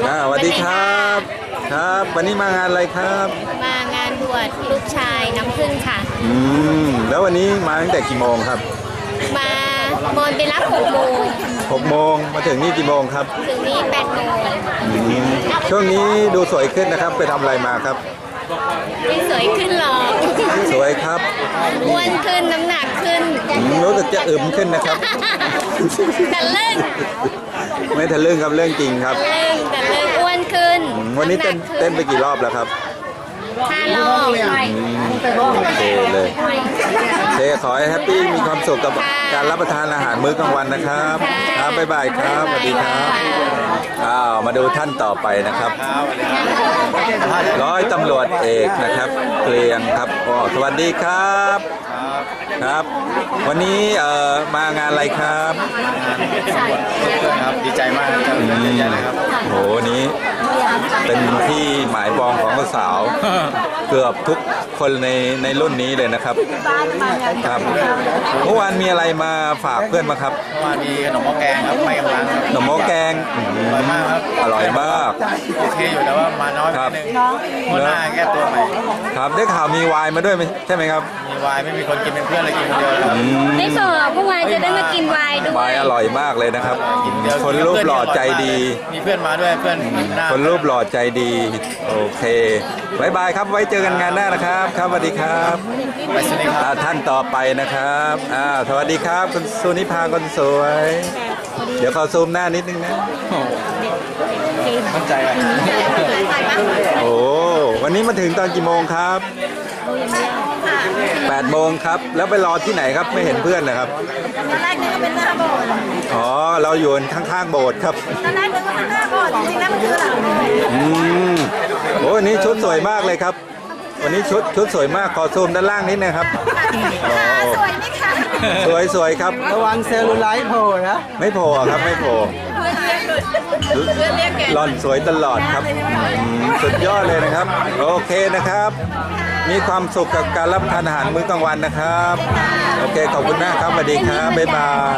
สวัสดีครับครับวันนี้มางานอะไรครับมางานบวชลูกชายน้ำผึ้งค่ะแล้ววันนี้มาตั้งแต่กี่โมงครับมาโมนไปรับ6 โมง 6 โมงมาถึงนี่กี่โมงครับถึงนี่8 โมงช่วงนี้ดูสวยขึ้นนะครับไปทำอะไรมาครับไม่สวยขึ้นหรอกสวยครับอ้วนขึ้นน้ำหนักขึ้นรู้สึกจะอึมขึ้นนะครับแต่เรื่องไม่ทะลึ่งครับเรื่องจริงครับแต่เรื่องอ้วนขึ้นวันนี้เต้นไปกี่รอบแล้วครับ 5 รอบโอเคเลยขอให้แฮปปี้มีความสุขกับการรับประทานอาหารมื้อกลางวันนะครับครับบ๊ายบายครับสวัสดีครับมาดูท่านต่อไปนะครับร้อยตำรวจเอกนะครับเกรียงครับสวัสดีครับครับวันนี้มางานอะไรครับครับดีใจมากครับดีใจเลยครับโหนี้เป็นที่หมายปองของสาวเกือบทุกคนในรุ่นนี้เลยนะครับครับเมื่อวานมีอะไรมาฝากเพื่อนมาครับเมื่อวานมีขนมหม้อแกงครับไม่กำลังครับขนมหม้อแกงอร่อยมากครับอร่อยมากโอเคอยู่แต่ว่ามาน้อยนิดนึงเมื่อหน้าแก้ตัวใหม่ครับได้ข่าวมีไวน์มาด้วยใช่ไหมครับมีไวน์ไม่มีคนกินเป็นเพื่อนเลยกินคนเดียวครับได้ข่าวเมื่อวานจะได้มากินไวน์ด้วยไวน์อร่อยมากเลยนะครับคนรูปหล่อใจดีมีเพื่อนมาด้วยเพื่อนคนรูปหล่อใจดีโอเคบายบายครับไว้เจอกันงานหน้านะครับครับสวัสดีครับท่านต่อไปนะครับสวัสดีครับคุณสุนิพาคนสวยเดี๋ยวขอซูมหน้านิดนึงนะมั่นใจเลยโอ้วันนี้มาถึงตอนกี่โมงครับ8 โมงครับแล้วไปรอที่ไหนครับไม่เห็นเพื่อนนะครับตอนแรกนึกว่าเป็นหน้าโบสถ์อ๋อเราอยู่ข้างๆโบสถ์ครับตอนแรกนึกว่าเป็นหน้าโบสถ์จริงๆแล้วมันคือหลังโบสถ์โอ้วันนี้ชุดสวยมากเลยครับวันนี้ชุดสวยมากขอซูมด้านล่างนิดนะครับสวยไหมคะสวยครับระวังเซลลูไลท์โผล่นะไม่โผล่ครับไม่โผล่หล่อนสวยตลอดครับสุดยอดเลยนะครับโอเคนะครับมีความสุขกับการรับประทานอาหารมื้อกลางวันนะครับโอเคขอบคุณมากครับสวัสดีครับบ๊ายบาย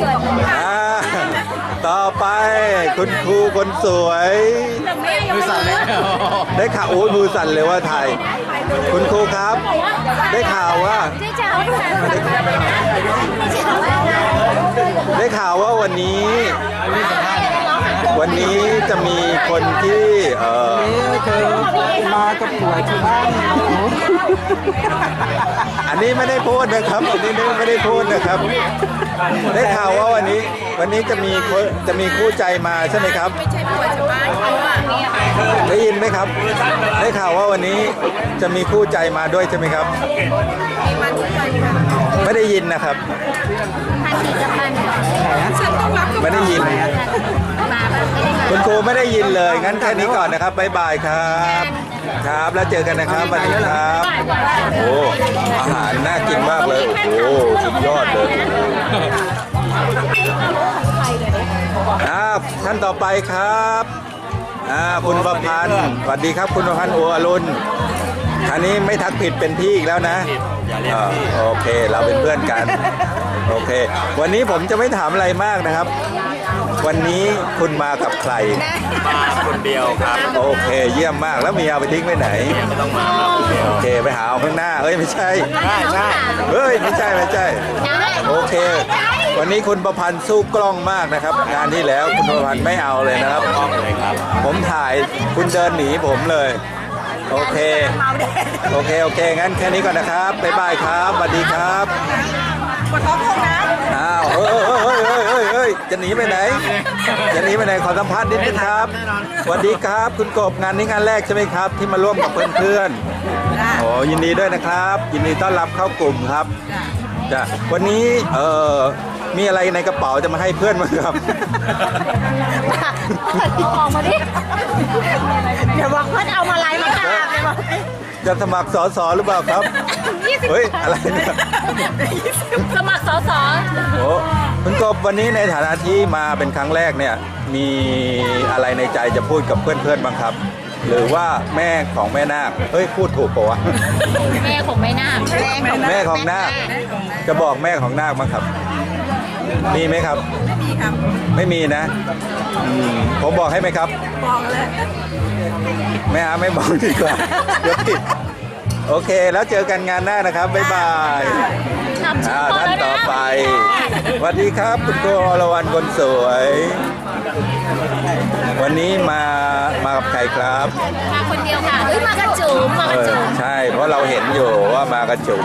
ต่อไปคุณครูคนสวยมือสั่นเลยได้ข่าวโอ้ยมือสั่นเลยว่าไทยคุณครูครับได้ข่าวว่าวันนี้จะมีคนที่เธอมากับผัวที่บ้านอันนี้ไม่ได้พูดนะครับอันนี้ไม่ได้พูดนะครับได้ข่าวว่าวันนี้จะมีคู่ใจมาใช่ไหมครับได้ยินไหมครับได้ข่าวว่าวันนี้จะมีคู่ใจมาด้วยใช่ไหมครับไม่ได้ยินนะครับไม่ได้ยินคุณครูไม่ได้ยินเลยงั้นแค่นี้ก่อนนะครับบ๊ายบายครับครับแล้วเจอกันนะครับสวัสดีครับโอ้อาหารน่ากินมากเลยโอ้สุดยอดเลยท่านต่อไปครับคุณประพันธ์สวัสดีครับคุณประพันธ์โออรุณอันนี้ไม่ทักผิดเป็นพี่อีกแล้วนะโอเคเราเป็นเพื่อนกันโอเควันนี้ผมจะไม่ถามอะไรมากนะครับวันนี้คุณมากับใครมาคนเดียวครับโอเคเยี่ยมมากแล้วมีเอาไปทิ้งไปไหนไม่ต้องมาโอเคไปหาเอาข้างหน้าไม่ใช่เฮ้ยไม่ใช่โอเควันนี้คุณประพันธ์สู้กล้องมากนะครับงานที่แล้วคุณประพันธ์ไม่เอาเลยนะครับผมถ่ายคุณเดินหนีผมเลยโอเคงั้นแค่นี้ก่อนนะครับบ๊ายบายครับสวัสดีครับปวดท้องคงนะเฮ้ยจะหนีไปไหนขอสัมภาษณ์นิดนึงครับสวัสดีครับคุณกบงานนี้งานแรกใช่ไหมครับที่มาร่วมกับเพื่อนๆโอ้ยินดีด้วยนะครับยินดีต้อนรับเข้ากลุ่มครับจ้ะวันนี้มีอะไรในกระเป๋าจะมาให้เพื่อนมั้งครับออกมาดิเดี๋ยวบอกเพื่อนเอามาไล่มาฆ่าเลยบอกจะสมัครสสหรือเปล่าครับเฮ้ยอะไรเนี่ยสมัครสสโอ้คุณกบวันนี้ในฐานะที่มาเป็นครั้งแรกเนี่ยมีอะไรในใจจะพูดกับเพื่อนๆบ้างครับหรือว่าแม่ของแม่นาคเฮ้ยพูดถูกปะวะแม่ของแม่นาคแม่ของนาคจะบอกแม่ของนาคบ้างครับมีไหมครับไม่มีครับไม่มีนะผมบอกให้ไหมครับบอกเลยไม่บอกดีกว่าเดี๋ยวผิดโอเค แล้วเจอกันงานหน้านะครับบ๊ายบายขอบคุณท่านต่อไปสวัสดีครับคุณครูอรวรรณคนสวย วันนี้มากับใครครับมาคนเดียวค่ะเฮ้ยมากระจุ๋มมากระจุ๋มใช่เพราะเราเห็นอยู่ว่ามากระจุม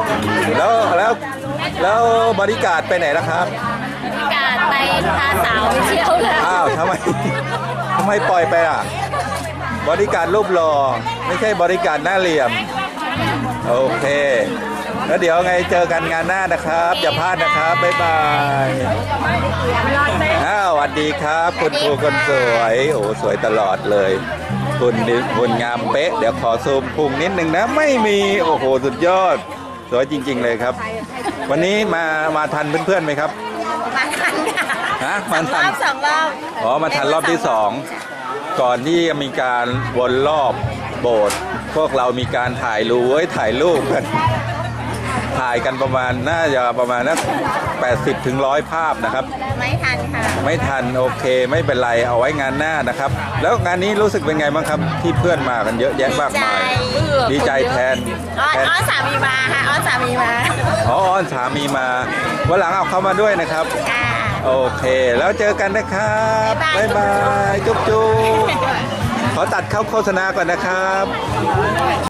แล้วบริการดไปไหนแล้วครับมีการไปพาสาวไปเที่ยวแล้วอ้าวทำไมปล่อยไปอ่ะบริการดรูปหล่อไม่ใช่บริการดหน้าเหลี่ยมโอเค แล้วเดี๋ยวไงเจอกันงานหน้านะครับอย่าพลาดนะครับบ๊ายบายสวัสดีครับคุณครูคนสวยโอ้สวยตลอดเลยคุณงามเป๊ะเดี๋ยวขอซูมพุงนิดนึงนะไม่มีโอ้โหสุดยอดสวยจริงๆเลยครับ วันนี้มาทันเพื่อนๆไหมครับมาทันค่ะฮะมาทันสองรอบอ๋อมาทันรอบที่สองก่อนที่จะมีการวนรอบโบสถ์พวกเรามีการถ่ายรูปกันถ่ายกันประมาณน่าจะประมาณนัก80 ถึง 100 ภาพนะครับไม่ทันค่ะไม่ทันโอเคไม่เป็นไรเอาไว้งานหน้านะครับ แล้วงานนี้รู้สึกเป็นไงบ้างครับที่เพื่อนมากันเยอะแยะมากมายดีใจแทนอ้อนสามีมาค่ะอ้อนสามีมาอ๋ออ้อนสามีมาวันหลังเอาเข้ามาด้วยนะครับค่ะโอเค แล้วเจอกันนะครับบ๊ายบาย จุ๊บขอตัดเข้าโฆษณาก่อนนะครับ